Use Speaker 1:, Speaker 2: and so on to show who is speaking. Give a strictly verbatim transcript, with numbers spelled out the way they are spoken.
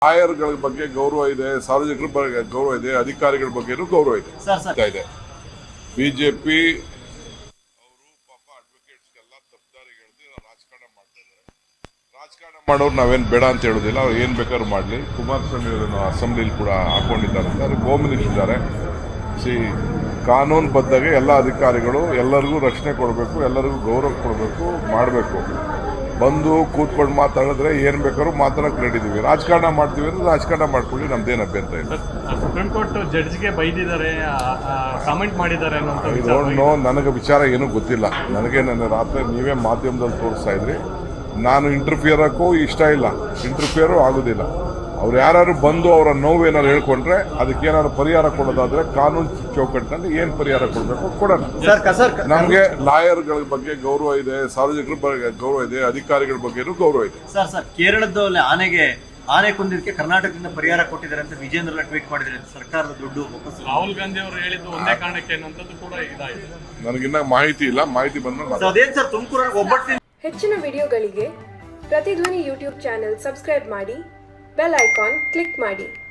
Speaker 1: ಲಾಯರ್ಗಳ ಬಗ್ಗೆ ಗೌರವ ಇದೆ, ಸಾರ್ವಜನಿಕರ ಬಗ್ಗೆ ಗೌರವ ಇದೆ, ಅಧಿಕಾರಿಗಳ ಬಗ್ಗೆನೂ ಗೌರವ ಇದೆ. ಇದೆ ಬಿಜೆಪಿ ಅವರು ಪಾಪ ಅಡ್ವೊಕೇಟ್ಸ್ಗೆಲ್ಲ ತಪ್ಪದಾರಿಗೆಳೆದು ರಾಜಕಾರಣ ಮಾಡ್ತಾ ಇದ್ದಾರೆ. ರಾಜಕಾರಣ ಮಾಡೋರು ನಾವೇನು ಬೇಡ ಅಂತ ಹೇಳೋದಿಲ್ಲ, ಅವ್ರು ಏನು ಬೇಕಾದ್ರೂ ಮಾಡಲಿ. ಕುಮಾರಸ್ವಾಮಿ ಅವರನ್ನು ಅಸೆಂಬ್ಲಿಲಿ ಕೂಡ ಹಾಕೊಂಡಿದ್ದಾರೆ ಅಂತ ಅವ್ರಿಗೆ ಹೋಮ್ ಮಿನಿಸ್ಟರ್ ಇದ್ದಾರೆ. ಸಿ ಕಾನೂನು ಬದ್ಧಾಗೆ ಎಲ್ಲ ಅಧಿಕಾರಿಗಳು ಎಲ್ಲರಿಗೂ ರಕ್ಷಣೆ ಕೊಡಬೇಕು, ಎಲ್ಲರಿಗೂ ಗೌರವ ಕೊಡಬೇಕು, ಮಾಡಬೇಕು. ಬಂದು ಕೂತ್ಕೊಂಡು ಮಾತಾಡಿದ್ರೆ ಏನ್ ಬೇಕಾದ್ರೂ ಮಾತಾಡಕ್ ರೆಡಿ ಇದೀವಿ. ರಾಜಕಾರಣ ಮಾಡ್ತೀವಿ ಅಂದ್ರೆ ರಾಜಕಾರಣ ಮಾಡ್ಕೊಳ್ಳಿ, ನಮ್ದೇನು ಅಭ್ಯಂತರ ಇಲ್ಲ.
Speaker 2: ಸುಪ್ರೀಂ ಕೋರ್ಟ್ ಜಡ್ಜ್ಗೆ ಬೈದಿದ್ದಾರೆ, ಕಾಮೆಂಟ್ ಮಾಡಿದ್ದಾರೆ
Speaker 1: ನೋ ನನಗೆ ವಿಚಾರ ಏನೂ ಗೊತ್ತಿಲ್ಲ. ನನಗೆ ನನ್ನ ರಾತ್ರಿ ನೀವೇ ಮಾಧ್ಯಮದಲ್ಲಿ ತೋರಿಸ್ತಾ ಇದ್ರಿ. ನಾನು ಇಂಟರ್ಫಿಯರ್ ಹಾಕೋ ಇಷ್ಟ ಇಲ್ಲ, ಇಂಟರ್ಫಿಯರು ಆಗೋದಿಲ್ಲ. ಅವ್ರು ಯಾರು ಬಂದು ಅವರ ನೋವು ಏನಾದ್ರು ಹೇಳ್ಕೊಂಡ್ರೆ ಅದಕ್ಕೆ ಏನಾದ್ರು ಪರಿಹಾರ ಕೊಡೋದಾದ್ರೆ ಕಾನೂನು ಚೌಕಟ್ಟಿನಲ್ಲಿ ಏನ್ ಪರಿಹಾರ ಕೊಡಬೇಕು ಕೊಡೋಣ. ನಮ್ಗೆ ಲಾಯರ್ಗಳ ಬಗ್ಗೆ ಗೌರವ ಇದೆ, ಸಾರ್ವಜನಿಕರ ಬಗ್ಗೆ ಗೌರವ ಇದೆ, ಅಧಿಕಾರಿಗಳ ಬಗ್ಗೆನೂ ಗೌರವ ಇದೆ.
Speaker 3: ಸರ್ ಸರ್ ಕೇರಳದಲ್ಲಿ ಆನೆಗೆ ಆನೆ ಕೊಂದಿದ್ದಕ್ಕೆ ಕರ್ನಾಟಕದಿಂದ ಪರಿಹಾರ ಕೊಟ್ಟಿದ್ದಾರೆ ಅಂತ ವಿಜೇಂದ್ರ ಟ್ವೀಟ್ ಮಾಡಿದ್ದಾರೆ. ಸರ್ಕಾರದ ದುಡ್ಡು
Speaker 2: ರಾಹುಲ್ ಗಾಂಧಿ ಅವರು ಹೇಳಿದ್ದು ಒಂದೇ ಕಾರಣಕ್ಕೆ ಅನ್ನೋದು ಕೂಡ ಇದಾಗಿದೆ.
Speaker 1: ನನಗಿನ್ನ ಮಾಹಿತಿ ಇಲ್ಲ, ಮಾಹಿತಿ ಬಂದ್ರೆ
Speaker 3: ಅದೇನ್ ಸರ್ ತುಮಕೂರು ಒಬ್ಬಟ್ಟು.
Speaker 4: ಹೆಚ್ಚಿನ ವಿಡಿಯೋಗಳಿಗೆ ಪ್ರತಿಧ್ವನಿ ಯೂಟ್ಯೂಬ್ ಚಾನೆಲ್ ಸಬ್ಸ್ಕ್ರೈಬ್ ಮಾಡಿ, ಬೆಲ್ ಐಕಾನ್ ಕ್ಲಿಕ್ ಮಾಡಿ.